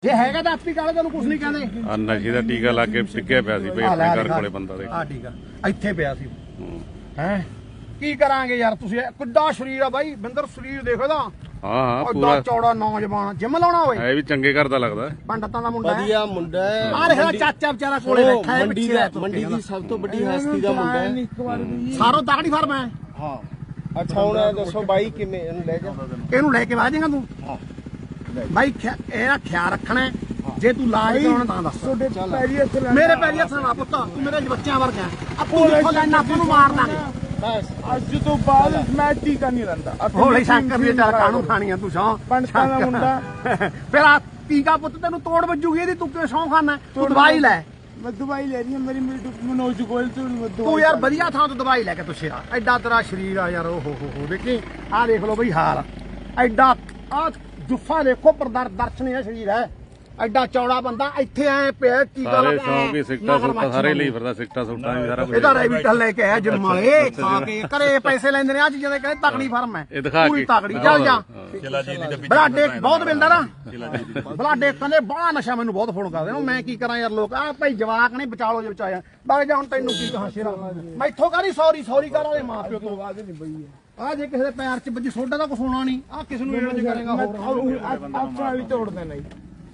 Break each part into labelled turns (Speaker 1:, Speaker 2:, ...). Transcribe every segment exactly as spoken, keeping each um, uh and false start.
Speaker 1: ਜੇ ਹੈਗਾ ਤਾਂ ਆਪੀ ਕਾਲੇ ਤੈਨੂੰ ਕੁਝ ਨਹੀਂ ਕਹਿੰਦੇ।
Speaker 2: ਆ ਨਸ਼ੇ ਦਾ ਟੀਕਾ ਲਾ ਕੇ ਟਿੱਕਿਆ ਪਿਆ ਸੀ ਬਈ ਆਪਣੇ ਘਰ ਕੋਲੇ ਬੰਦਾ ਦੇ।
Speaker 1: ਆ ਟੀਕਾ ਇੱਥੇ ਪਿਆ ਸੀ ਹੈ। ਕੀ ਕਰਾਂਗੇ ਯਾਰ ਤੁਸੀਂ ਕਿੱਡਾ ਸਰੀਰ ਆ ਬਾਈ ਬਿੰਦਰ ਸਰੀਰ ਦੇਖੋ ਦਾ।
Speaker 2: ਹਾਂ ਹਾਂ
Speaker 1: ਪੂਰਾ ਚੌੜਾ ਨੌਜਵਾਨ ਜਿਮ ਲਾਉਣਾ ਹੋਵੇ
Speaker 2: ਇਹ ਵੀ ਚੰਗੇ ਘਰ ਦਾ ਲੱਗਦਾ।
Speaker 1: ਪੰਡਤਾਂ ਦਾ ਮੁੰਡਾ
Speaker 3: ਵਧੀਆ ਮੁੰਡਾ ਹੈ।
Speaker 1: ਆ ਰਿਹਾ ਚਾਚਾ ਵਿਚਾਰਾ ਕੋਲੇ ਬੈਠਾ ਹੈ
Speaker 3: ਮੰਡੀ ਦਾ ਮੰਡੀ ਦੀ ਸਭ ਤੋਂ ਵੱਡੀ ਹਸਤੀ ਦਾ ਮੁੰਡਾ ਹੈ।
Speaker 1: ਸਾਰੋ ਤਾਕੜੀ ਫਰਮ ਹੈ।
Speaker 3: ਹਾਂ ਅੱਛਾ ਹੁਣ ਇਹ ਦੱਸੋ ਬਾਈ ਕਿਵੇਂ ਇਹਨੂੰ ਲੈ ਜਾ।
Speaker 1: ਇਹਨੂੰ ਲੈ ਕੇ ਆ ਜਾਏਗਾ ਤੂੰ।
Speaker 3: ਹਾਂ
Speaker 1: ਬਾਈ ਇਹਦਾ ਖਿਆਲ ਰੱਖਣਾ ਜੇ ਤੂੰ ਲਾਜ ਕਰਾਉਣਾ ਤਾਂ ਦੱਸ। ਮੇਰੇ ਪੈਰੀ ਹੱਥ ਨਾ ਪੁੱਤ ਤੂੰ ਮੇਰੇ ਬੱਚਿਆਂ ਵਰਗਾ ਆਪੂ ਦੇਖੋ ਲੈਣਾ ਆਪਾਂ ਨੂੰ ਮਾਰ ਦਾਂਗੇ।
Speaker 3: ਬਸ
Speaker 4: ਅੱਜ ਤੋਂ ਬਾਅਦ ਮੈਂ ਟੀਕਾ ਨਹੀਂ ਲੈਂਦਾ।
Speaker 1: ਹੋਲੀ ਸ਼ੰਕਰ ਦੀ ਚਾਰ ਕਾਹਨੂੰ ਖਾਣੀਆਂ ਤੂੰ ਸੌ
Speaker 4: ਪੰਡਤਾਂ ਦਾ ਮੁੰਡਾ
Speaker 1: ਫਿਰ ਆ ਟੀਕਾ ਪੁੱਤ ਤੈਨੂੰ ਤੋੜ ਵੱਜੂਗੀ ਇਹਦੀ ਤੂੰ ਕਿਉਂ ਸੌਂ ਖਾਣਾ। ਤੂੰ ਦਵਾਈ ਲੈ।
Speaker 4: ਮੈਂ ਦਵਾਈ ਲੈ ਰਹੀ ਹਾਂ ਮੇਰੀ ਮਨੋਜ ਗੋਇਲ ਤੋਂ।
Speaker 1: ਤੂੰ ਯਾਰ ਵਧੀਆ ਥਾਂ ਤੋਂ ਦਵਾਈ ਲੈ ਕੇ ਤੁੱਛੇ ਆ। ਐਡਾ ਤੇਰਾ ਸਰੀਰ ਆ ਯਾਰ। ਓ ਹੋ ਹੋ ਹੋ ਦੇਖੀ ਆਹ ਦੇਖ ਲਓ ਬਈ ਹਾਲ ਐਡਾ ਆ ਜੁੱਫਾ ਦੇਖੋ ਪਰਦਰ ਦਰਸ਼ਨ ਹੈ ਸਰੀਰ ਹੈ। ਐਡਾ ਚੌੜਾ ਬੰਦਾ ਇੱਥੇ ਐ ਪਿਆ ਟੀਕਾ
Speaker 2: ਸਾਰੇ ਸ਼ੌਂਕੀ ਸਿੱਟਾ ਸੁੱਟਾ ਸਾਰੇ ਲਈ ਫਿਰਦਾ ਸਿੱਟਾ ਸੁੱਟਾ ਵੀ ਸਾਰਾ ਕੁਝ।
Speaker 1: ਇਹਦਾ ਰੈਬਿਟਲ ਲੈ ਕੇ ਆਇਆ ਜਿੰਮ ਵਾਲੇ ਖਾ ਕੇ ਘਰੇ ਪੈਸੇ ਲੈਂਦੇ ਨੇ ਆ ਚੀਜ਼ਾਂ ਦੇ ਕਹਿੰਦੇ ਤਕੜੀ ਫਰਮ ਹੈ।
Speaker 2: ਇਹ ਦਿਖਾ
Speaker 1: ਪੂਰੀ
Speaker 2: ਕੇ
Speaker 1: ਤਕੜੀ ਚੱਲ ਜਾ। ਬਲਾਡੇ ਬਹੁਤ ਮਿਲਦਾ ਨਾ ਬਲਾਡੇ ਕਹਿੰਦੇ ਬੜਾ ਨਸ਼ਾ ਮੈਨੂੰ ਬਹੁਤ ਫੋਨ ਕਰਦੇ ਮੈਂ ਕੀ ਕਰਾਂ ਯਾਰ। ਲੋਕ ਆ ਭਾਈ ਜਵਾਕ ਨੇ ਬਚਾ ਲੋ ਜੇ ਬਚਾਇਆ ਬਾਗ ਜਾ। ਹੁਣ ਤੈਨੂੰ ਕੀ ਕਹਾਂ ਸ਼ੇਰਾ ਮੈਥੋਂ ਕਰੀ ਸੌਰੀ ਸੌਰੀ ਕਰ ਵਾਲੇ ਮਾਂ ਪਿਓ ਤੋਂ ਬਾਅਦ ਨਹੀਂ ਬਈ ਆ ਜੇ ਕਿਸੇ ਦੇ ਪੈਰ 'ਚ ਵੱਜੀ ਸੋਡਾ ਦਾ ਕੁਛ ਹੋਣਾ ਨਹੀਂ। ਆ ਕਿਸ ਨੂੰ ਇਹੋ ਜਿਹਾ ਕਰੇਗਾ ਹੋਰ
Speaker 4: ਆਪਾਂ ਵੀ ਤੋੜ ਦੇਣਾ ਜੀ।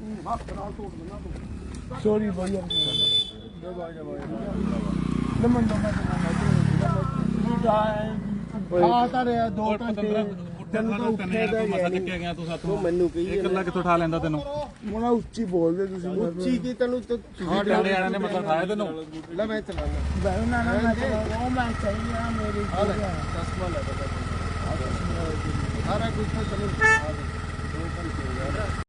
Speaker 4: ਸੌਰੀ ਬਈ ਲਮਨ
Speaker 1: ਆ ਤਾਂ ਰਿਹਾ ਦੋ ਘੰਟੇ ਤੈਨੂੰ ਤਾਂ ਉੱਠੇ ਦਾ
Speaker 3: ਗਿਆ ਤੂੰ ਸਾਥੋਂ ਮੈਨੂੰ ਕਹੀ
Speaker 2: ਇਕੱਲਾ ਕਿੱਥੋਂ ਉਠਾ ਲੈਂਦਾ ਤੈਨੂੰ।
Speaker 4: ਮੋਨਾ ਉੱਚੀ ਬੋਲਦੇ ਤੁਸੀਂ।
Speaker 3: ਉੱਚੀ ਕੀ ਤੈਨੂੰ
Speaker 2: ਸਾਡੇ ਵਾਲਿਆਂ ਨੇ ਮਤਲਬ ਖਾਇਆ ਤੈਨੂੰ।
Speaker 3: ਲੈ ਮੈਂ ਚਲਾਣਾ
Speaker 4: ਨਾ ਨਾ ਉਹ ਮੈਂ ਚਾਹੀਏ ਮੇਰੀ
Speaker 3: ਚਸ਼ਮਾ ਲੈ ਸਾਰਾ ਕੁਝ ਤਾਂ ਚਲੋ